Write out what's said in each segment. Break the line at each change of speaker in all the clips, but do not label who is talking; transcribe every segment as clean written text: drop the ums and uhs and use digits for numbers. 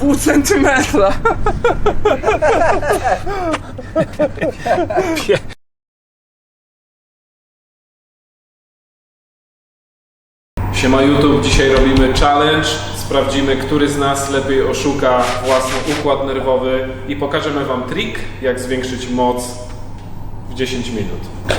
pół centymetra. Siema YouTube, dzisiaj robimy challenge. Sprawdzimy, który z nas lepiej oszuka własny układ nerwowy i pokażemy wam trik, jak zwiększyć moc w 10 minut.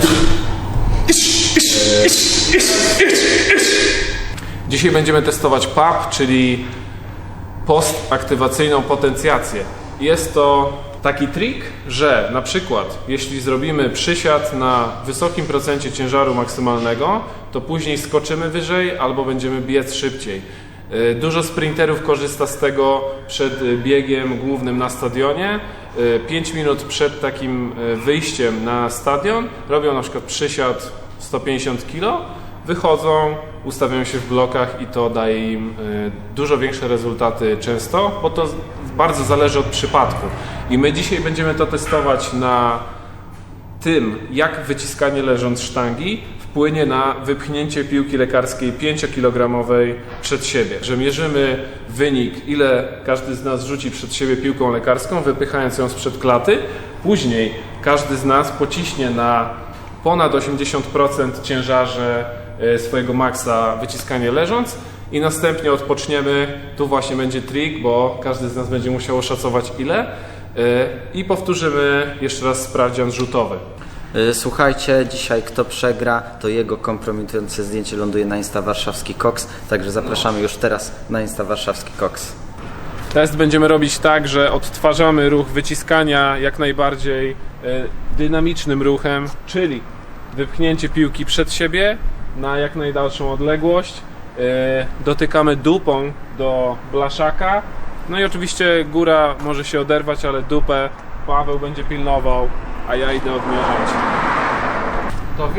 Dzisiaj będziemy testować PAP, czyli postaktywacyjną potencjację. Jest to taki trik, że na przykład jeśli zrobimy przysiad na wysokim procencie ciężaru maksymalnego, to później skoczymy wyżej albo będziemy biec szybciej. Dużo sprinterów korzysta z tego przed biegiem głównym na stadionie. 5 minut przed takim wyjściem na stadion robią na przykład przysiad 150 kg, wychodzą, ustawiają się w blokach i to daje im dużo większe rezultaty często, bo to bardzo zależy od przypadku. I my dzisiaj będziemy to testować na tym, jak wyciskanie leżąc sztangi wpłynie na wypchnięcie piłki lekarskiej 5-kilogramowej przed siebie. Że mierzymy wynik, ile każdy z nas rzuci przed siebie piłką lekarską, wypychając ją sprzed klaty. Później każdy z nas pociśnie na ponad 80% ciężarze swojego maksa wyciskanie leżąc i następnie odpoczniemy. Tu właśnie będzie trik, bo każdy z nas będzie musiał oszacować ile i powtórzymy jeszcze raz sprawdzian rzutowy.
Słuchajcie, dzisiaj kto przegra, to jego kompromitujące zdjęcie ląduje na Insta Warszawski Koks, także zapraszamy już teraz na Insta Warszawski Koks.
Test będziemy robić tak, że odtwarzamy ruch wyciskania jak najbardziej dynamicznym ruchem, czyli wypchnięcie piłki przed siebie na jak najdalszą odległość, dotykamy dupą do blaszaka, no i oczywiście góra może się oderwać, ale dupę Paweł będzie pilnował, a ja idę odmierzać. Gotowi?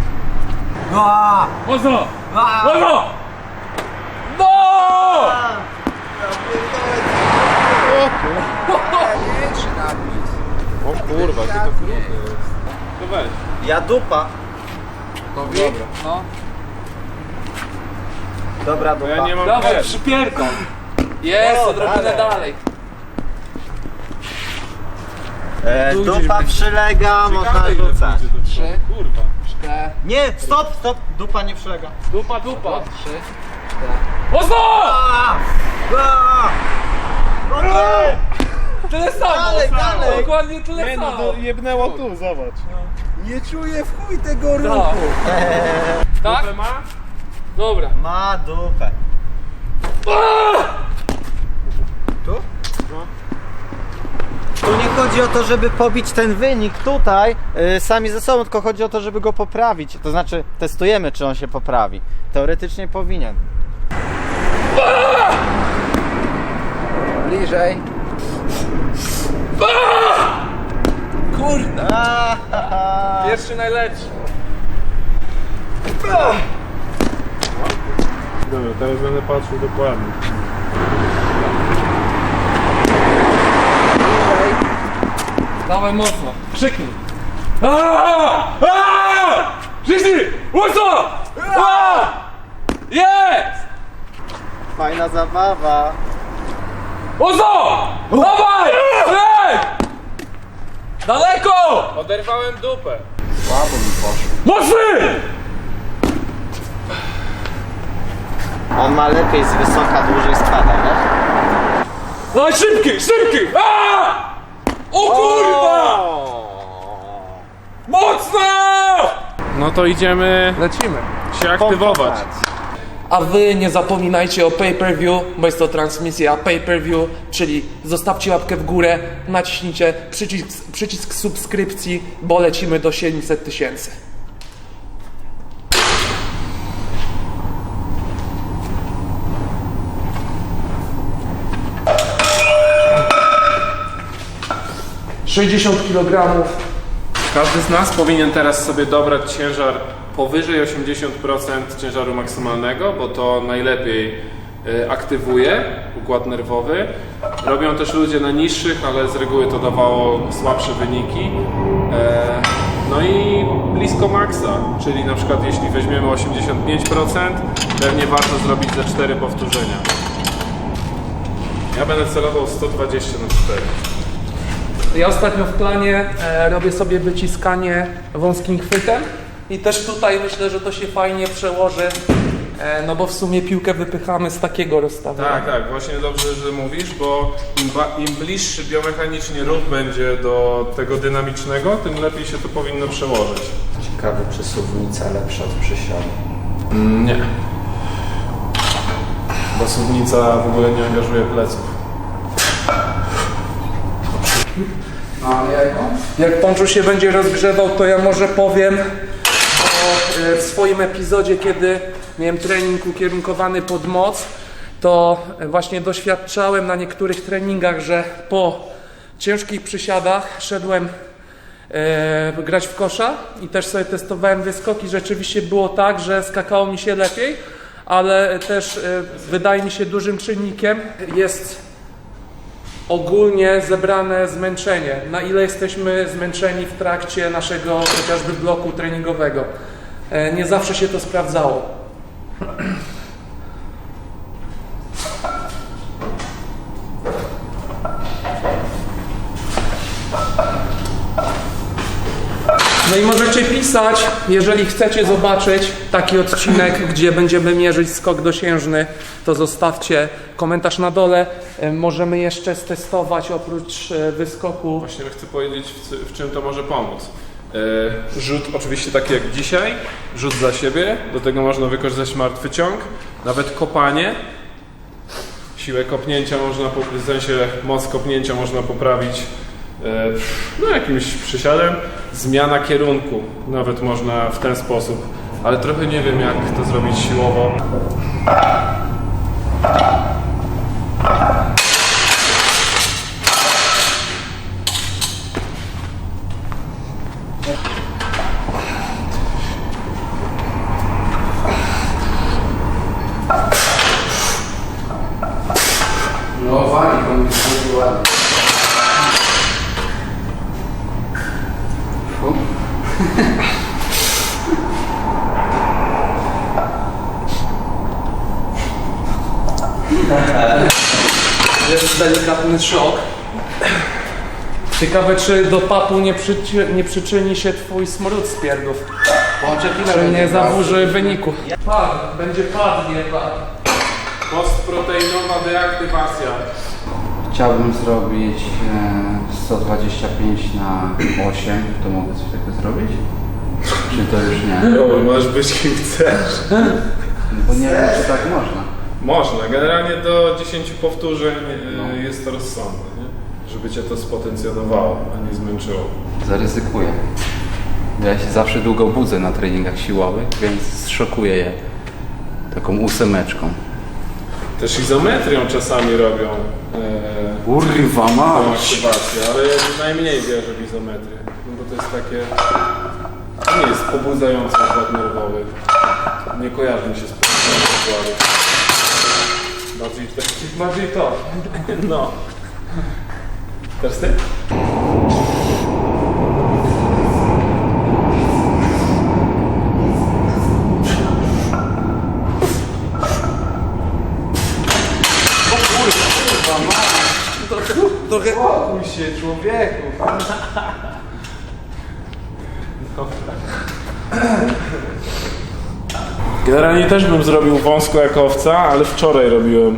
Mocno! Mocno! No! O kurwa, ty to krótkie jest. To weź.
Ja dupa.
Gotowi? Dobra. No.
Dobra dupa.
Ja nie mam
Dawaj, przypierdol! Jest, odrobinę dalej.
Dupa przylega, można rzucać.
3,
Kurwa.
4,
Nie, stop! Dupa nie przylega.
Dupa.
3, 4.
Mocno!
Tyle samo!
Dalej.
Dokładnie tyle samo!
Jebnęło tu, zobacz.
Nie czuję w chuj tego
No.
ruchu.
Tak?
Dupę ma?
Dobra.
Ma dupę. Tu? Tu nie chodzi o to, żeby pobić ten wynik tutaj sami ze sobą, tylko chodzi o to, żeby go poprawić. To znaczy testujemy, czy on się poprawi. Teoretycznie powinien.
Bliżej. Kurde! Pierwszy najlepszy.
Dobra, teraz będę patrzył dokładnie.
Dawaj mocno. Krzyknij. Krzyknij! Mocno! Jest!
Fajna zabawa.
Mocno! Dawaj! Ej! Daleko!
Oderwałem dupę.
Słabo mi poszło.
Mocny!
On ma lepiej z wysoka, dłużej spada, wiesz?
Dawaj szybki! O kurwa! Mocno!
No to idziemy
Lecimy.
się aktywować.
A wy nie zapominajcie o pay-per-view, bo jest to transmisja pay-per-view, czyli zostawcie łapkę w górę, naciśnijcie przycisk subskrypcji, bo lecimy do 700 000. ...60 kg.
Każdy z nas powinien teraz sobie dobrać ciężar powyżej 80% ciężaru maksymalnego, bo to najlepiej aktywuje układ nerwowy. Robią też ludzie na niższych, ale z reguły to dawało słabsze wyniki. No i blisko maksa, czyli na przykład jeśli weźmiemy 85%, pewnie warto zrobić za 4 powtórzenia. Ja będę celował 120 na 4.
Ja ostatnio w planie robię sobie wyciskanie wąskim chwytem i też tutaj myślę, że to się fajnie przełoży, no bo w sumie piłkę wypychamy z takiego rozstawienia.
Tak, właśnie dobrze, że mówisz, bo im bliższy biomechanicznie ruch będzie do tego dynamicznego, tym lepiej się to powinno przełożyć.
Ciekawe, czy suwnica lepsza od przysiadu.
Nie. Bo suwnica w ogóle nie angażuje pleców.
Jak Pączu się będzie rozgrzewał, to ja może powiem o w swoim epizodzie, kiedy miałem trening ukierunkowany pod moc, to właśnie doświadczałem na niektórych treningach, że po ciężkich przysiadach szedłem grać w kosza i też sobie testowałem wyskoki. Rzeczywiście było tak, że skakało mi się lepiej, ale też wydaje mi się dużym czynnikiem jest ogólnie zebrane zmęczenie. Na ile jesteśmy zmęczeni w trakcie naszego chociażby bloku treningowego. Nie zawsze się to sprawdzało. No i możecie pisać, jeżeli chcecie zobaczyć taki odcinek, gdzie będziemy mierzyć skok dosiężny, to zostawcie komentarz na dole. Możemy jeszcze stestować oprócz wyskoku.
Właśnie chcę powiedzieć, w czym to może pomóc. Rzut oczywiście taki jak dzisiaj, rzut za siebie, do tego można wykorzystać martwy ciąg, nawet kopanie. Siłę kopnięcia można, w sensie moc kopnięcia można poprawić no jakimś przysiadem. Zmiana kierunku nawet można w ten sposób, ale trochę nie wiem jak to zrobić siłowo.
No wali, to mi się ładnie.
Jest delikatny szok. Ciekawe, czy do papu nie przyczyni się twój smród z pierdów. Czy nie zaburzy wyniku. Będzie padnie.
Postproteinowa deaktywacja.
Chciałbym zrobić 125 na 8. To mogę coś takiego zrobić? Czy to już nie?
No, możesz być kim chcesz.
Bo nie wiem, czy tak można.
Można, generalnie do 10 powtórzeń jest to rozsądne, nie? Żeby cię to spotencjonowało, a nie zmęczyło.
Zaryzykuję. Ja się zawsze długo budzę na treningach siłowych, więc zszokuję je taką 8.
Też izometrią czasami robią
Kurwa
tą
mać!
aktywację, ale ja najmniej wierzę w izometrię, no bo to jest takie... To nie jest pobudzający układ nerwowy. Nie kojarzy mi się z pobudzaniem układu.
Bardziej to.
No. Teraz ty?
Trochę
Spokój się, człowieku!
Generalnie też bym zrobił wąsko jak owca, ale wczoraj robiłem.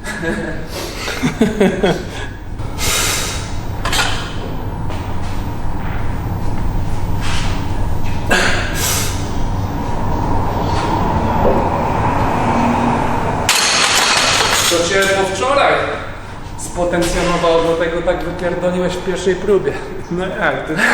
To cię po wczoraj spotencjonowało, do tego tak wypierdoliłeś w pierwszej próbie.
No jak, ty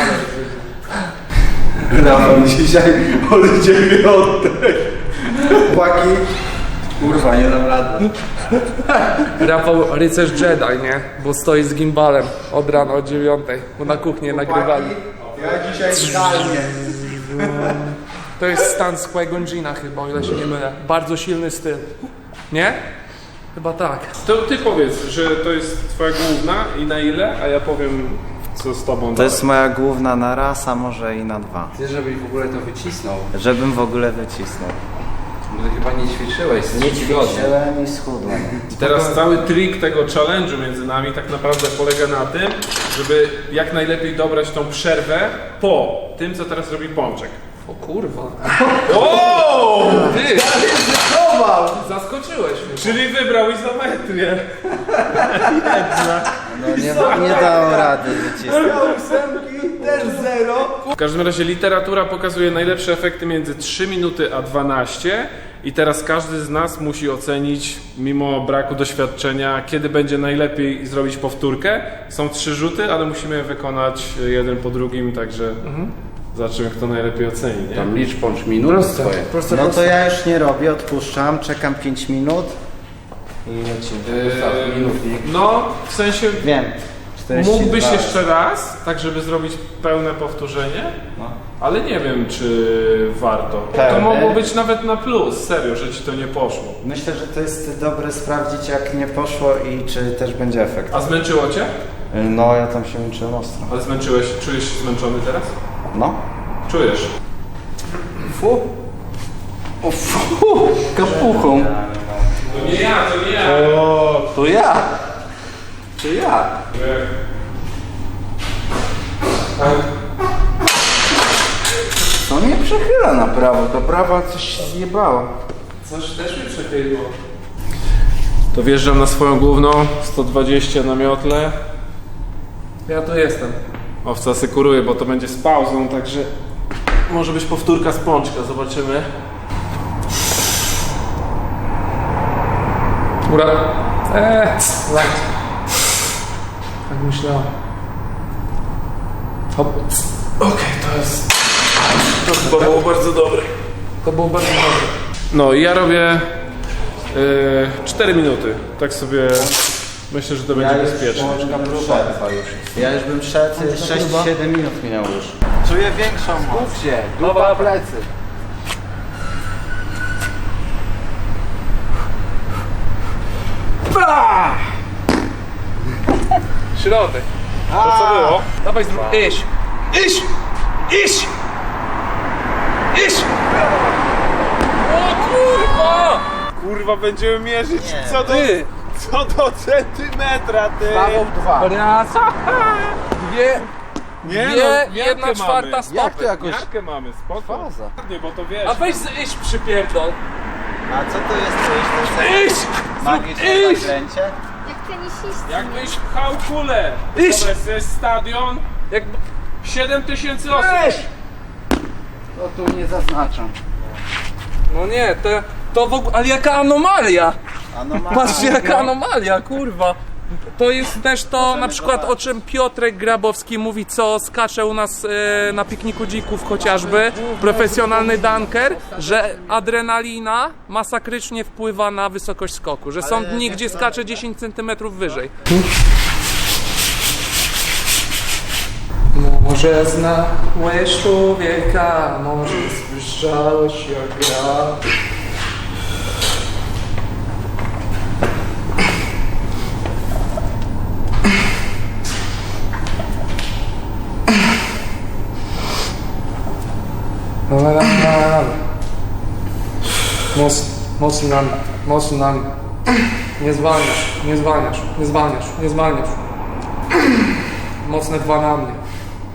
Rafał dzisiaj odejdzie mi oddech. Chłopaki. Kurwa, nie dam rady.
Rafał rycerz Jedi, nie? Bo stoi z gimbalem od rana o 9, bo na kuchnię nagrywali.
Ja dzisiaj idealnie.
To jest stan z Qui-Gon Jinna chyba, o ile się nie mylę. Bardzo silny styl. Nie? Chyba tak.
To ty powiedz, że to jest twoja główna i na ile, a ja powiem co z tobą.
To jest moja główna na raz, a może i na 2.
Ty, żebyś w ogóle to wycisnął.
Żebym w ogóle wycisnął.
Bo ty chyba nie ćwiczyłeś.
Nie ćwiczyłem i schudłem.
I teraz cały trik tego challenge'u między nami tak naprawdę polega na tym, żeby jak najlepiej dobrać tą przerwę po tym, co teraz robi Pączek.
O kurwa.
O!
Ty! Zaskoczyłeś mnie.
Czyli wybrał izometrię.
No nie dało rady wycisnąć.
W każdym razie literatura pokazuje najlepsze efekty między 3 minuty a 12 i teraz każdy z nas musi ocenić, mimo braku doświadczenia, kiedy będzie najlepiej zrobić powtórkę. Są 3 rzuty, ale musimy je wykonać jeden po drugim, także zobaczymy, kto najlepiej oceni, nie?
Tam licz Pącz minut swoje.
No to ja już nie robię, odpuszczam, czekam 5 minut i lecimy.
No, w sensie
Wiem. 42.
mógłbyś jeszcze raz, tak żeby zrobić pełne powtórzenie, ale nie wiem, czy warto. To
Pełne?
mogło być nawet na plus, serio, że ci to nie poszło.
Myślę, że to jest dobre sprawdzić, jak nie poszło i czy też będzie efekt.
A zmęczyło cię?
No ja tam się męczyłem ostro.
Ale czujesz się zmęczony teraz?
No.
Czujesz.
Fu. O fu. Kapuchą.
To nie ja, to nie ja.
To ja. To ja. To mnie przechyla na prawo. To prawa coś się zjebało.
Coś też mi przechyliło.
To wjeżdżam na swoją główną, 120 na miotle.
Ja tu jestem.
Owca asykuruje, bo to będzie z pauzą, także może być powtórka z Pączka, zobaczymy.
Ura. Right. Tak myślałem. Hop.
Okej, to chyba było bardzo dobre.
To było bardzo dobre.
No i ja robię 4 minuty, tak sobie myślę, że to będzie bezpieczne.
Ja już bym szedł 6-7 minut minęło już. Czuję większą moc.
Się. Dupa plecy.
Środek.
To co było?
Dawaj zrób. Iść. Iść! Iść! Iść! O kurwa!
Kurwa, będziemy mierzyć
Ty!
co do centymetra, ty!
Prawo 2.
Raz. Dwie.
Nie
Dwie,
no, miarkę
1/4
mamy.
stopy.
Jak to jakoś...
Miarkę mamy, spoko.
Faza.
Nie, bo to wiesz.
A weź iść przypierdol.
A co to jest? To jest
Iść!
magiczne
Iść!
zaklęcie?
Jak tenisisty.
Jakbyś pchał kulę.
Iść!
To jest stadion,
Jak...
7000 osób.
To tu nie zaznaczam.
No nie, to w ogóle... Ale jaka anomalia!
Anomalia.
Patrzcie jaka anomalia, kurwa! To jest też to na przykład o czym Piotrek Grabowski mówi, co skacze u nas na pikniku dzików chociażby, profesjonalny dunker, że adrenalina masakrycznie wpływa na wysokość skoku, że są dni, gdzie skacze 10 cm wyżej. Może znałeś człowieka, może słyszałeś jak gra. Mocno na mnie, mocno na mnie. Nie zwalniasz, nie zwalniasz, nie zwalniasz, nie zwalniasz. Mocne 2 na mnie.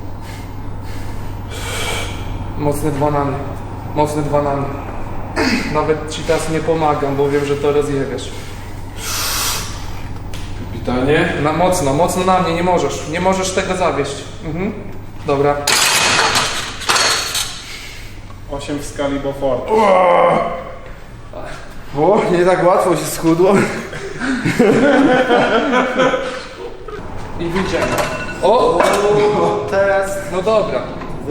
Mocne 2 na mnie, mocne 2 na mnie. Nawet ci teraz nie pomagam, bo wiem, że to rozjebiesz.
Kapitanie.
Mocno na mnie, nie możesz tego zawieść. Mhm. Dobra.
8 w skali Beaufort.
O, nie tak łatwo się schudło.
I wyjdziemy. O!
Teraz
No dobra.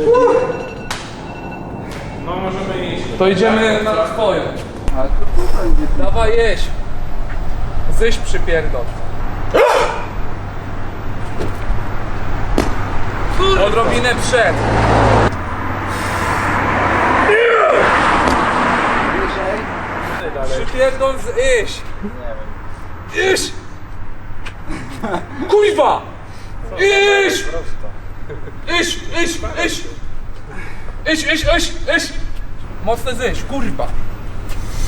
No możemy iść.
To idziemy na twoją. Dawaj jeść. Zyś przypierdol. Odrobinę przed. Przypierdol z iść. Iść! Kuźwa! Iść! Iść, iść, iść! Iść, iść, iść, iść! Mocne zyś, kurwa!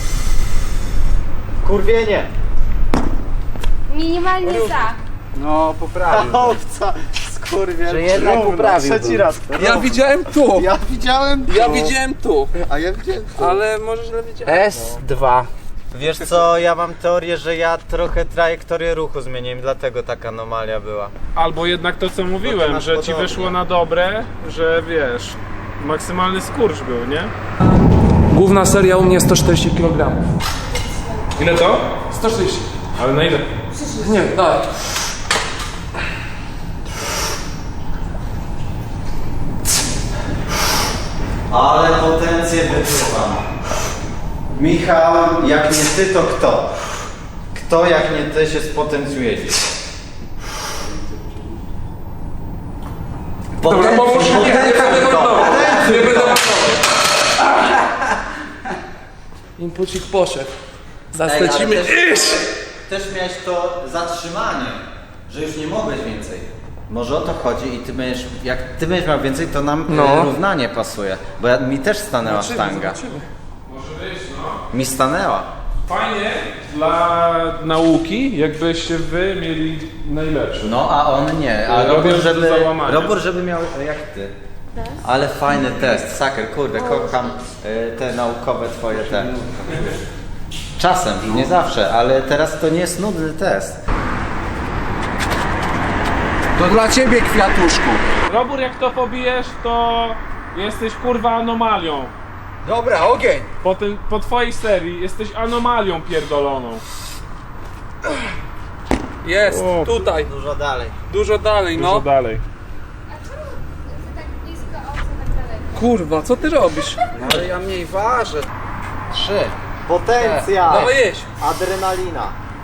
Kurwienie!
Minimalnie za.
No, poprawił.
Owca! Skurwiel!
Że jednak poprawił.
Trzeci raz.
Ja widziałem tu!
Ja widziałem tu.
Ja widziałem tu!
A ja widziałem tu.
Ale może źle widziałem.
S2.
Wiesz co, ja mam teorię, że ja trochę trajektorię ruchu zmieniłem, dlatego taka anomalia była.
Albo jednak to, co mówiłem,
masz
że ci
podobnie.
wyszło na dobre, że wiesz, maksymalny skurcz był, nie?
Główna seria u mnie 140 kg.
Ile to?
140.
Ale na ile?
Nie, daj.
Ale potencję wyczuwam. Michał, jak nie ty, to kto? Kto, jak nie ty, się spotencjuje dziś?
Dobra, pomóż mi, nie będę mordował. Nie będę mordował. Inpucik poszedł. Lecimy.
Też miałeś to zatrzymanie, że już nie mogłeś więcej. Może o to chodzi i ty będziesz, jak ty będziesz miał więcej, to nam
No.
równanie pasuje. Bo mi też stanęła sztanga.
Może być, no.
Mi stanęła.
Fajnie dla nauki, jakbyście wy mieli najlepszy.
No a on nie, a
Robią
Robur,
do
żeby,
załamania.
Robur, żeby miał jak ty. Ale fajny test, saker, kurde, kocham te naukowe twoje te. Czasem, nie zawsze, ale teraz to nie jest nudny test.
To dla ciebie, kwiatuszku.
Robór, jak to pobijesz, to jesteś kurwa anomalią.
Dobra, ogień.
Po twojej serii jesteś anomalią pierdoloną.
Jest,
O.
tutaj.
Dużo dalej.
Dużo dalej,
Dużo
no.
dalej.
A czemu ty tak blisko, a on tak daleko?
Kurwa, co ty robisz?
No ale ja mniej ważę. 3.
Potencja!
Dawaj jeść.
Adrenalina.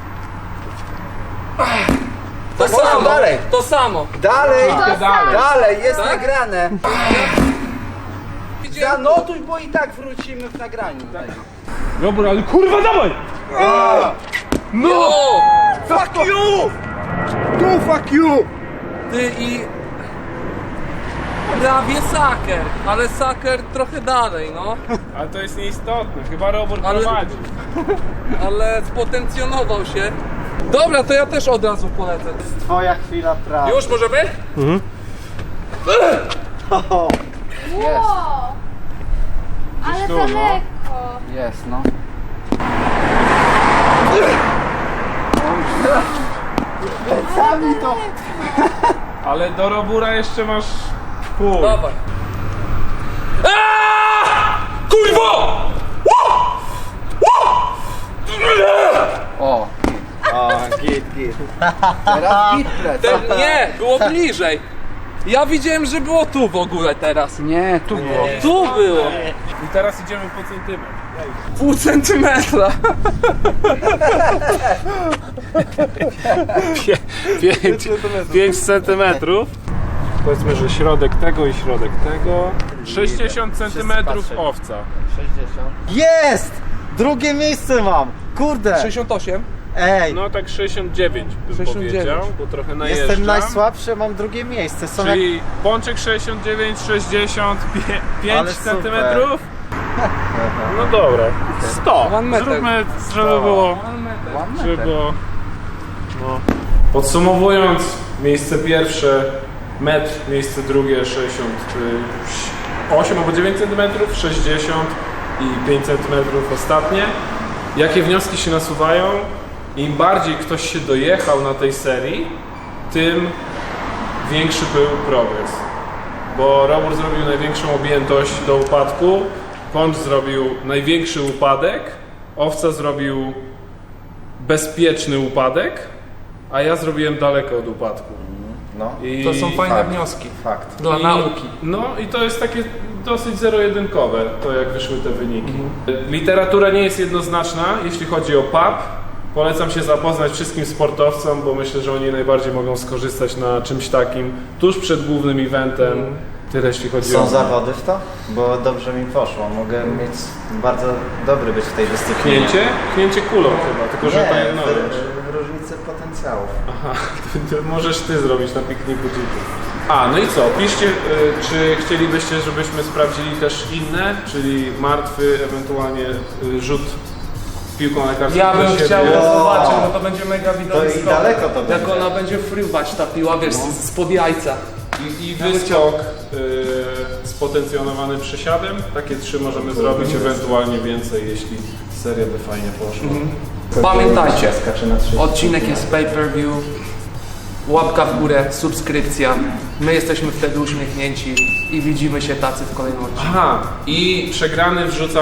To
Mocno
samo.
dalej.
To samo.
Dalej,
Dalej.
dalej, jest
Tak?
nagrane.
Widziałem.
Zanotuj, bo i tak wrócimy w nagraniu.
Robór, ale kurwa dawaj!
No!
Fuck you! No fuck you!
Ty i... Prawie saker, ale saker trochę dalej, no.
Ale to jest nieistotne, chyba Robór
Ale-
prowadzi.
Ale spotencjonował się. Dobra, to ja też od razu polecę.
Twoja chwila prawdy.
Już możemy?
O,
Wow! Ale
tu, no.
daleko.
Jest, no.
sami to.
Ale do Robura jeszcze masz pół.
Dawaj. Kurwa!
O,
O, git.
teraz git lecę.
Nie, było bliżej. Ja widziałem, że było tu w ogóle teraz.
Nie, tu było.
Tu było.
I teraz idziemy po centymetr.
Pół centymetra.
5 centymetrów. Powiedzmy, że środek tego i środek tego. 60 centymetrów
patrzą.
owca.
Jest! Drugie miejsce mam! Kurde!
68.
Ej!
No tak 69 bym
69.
powiedział, bo trochę najeżdżam.
Jestem najsłabszy, mam drugie miejsce. Są jak...
Czyli Pączek 69, 60, 5
Ale super.
centymetrów. No dobra, 100.
One meter.
Zróbmy, żeby było... Żeby było... No. Podsumowując, miejsce pierwsze metr, miejsce drugie 68 albo 9 cm, 60 i 5 cm ostatnie. Jakie wnioski się nasuwają? Im bardziej ktoś się dojechał na tej serii, tym większy był progres. Bo Robur zrobił największą objętość do upadku, Pącz zrobił największy upadek, Owca zrobił bezpieczny upadek, a ja zrobiłem daleko od upadku.
No.
I
To są fajne wnioski.
Fakt.
Dla nauki.
No i to jest takie dosyć zero-jedynkowe, to jak wyszły te wyniki. Literatura nie jest jednoznaczna, jeśli chodzi o PAP. Polecam się zapoznać wszystkim sportowcom, bo myślę, że oni najbardziej mogą skorzystać na czymś takim tuż przed głównym eventem. Tyle jeśli chodzi o...
Są zawody w to? Bo dobrze mi poszło. Mogę mieć bardzo dobry być w tej dyscyplinie.
Pchnięcie? Pchnięcie kulą chyba, tylko że to nie
w
wiesz.
różnicy potencjałów.
Aha, to możesz ty zrobić na pikniku dzików. A, no i co? Piszcie, czy chcielibyście, żebyśmy sprawdzili też inne, czyli martwy, ewentualnie rzut z piłką lekarską.
Ja bym
do siebie.
chciał
Wow.
zobaczyć, bo to będzie mega
To
widowisko.
i daleko to
Jak
będzie.
ona będzie fruwać ta piła, wiesz, spod jajca.
I wyskok z potencjonowanym przysiadem. Takie 3 możemy zrobić, ewentualnie więcej, jeśli seria by fajnie poszła.
Pamiętajcie,
Skacze na 3.
odcinek jest pay-per-view, łapka w górę, subskrypcja. My jesteśmy wtedy uśmiechnięci i widzimy się tacy w kolejnym odcinku.
Aha, i przegrany wrzuca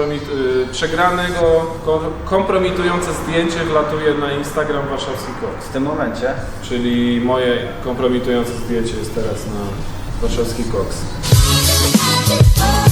kompromitujące zdjęcie wlatuje na Instagram Warszawski Koks.
W tym momencie
Czyli moje kompromitujące zdjęcie jest teraz na Warszawski Koks.
Oh,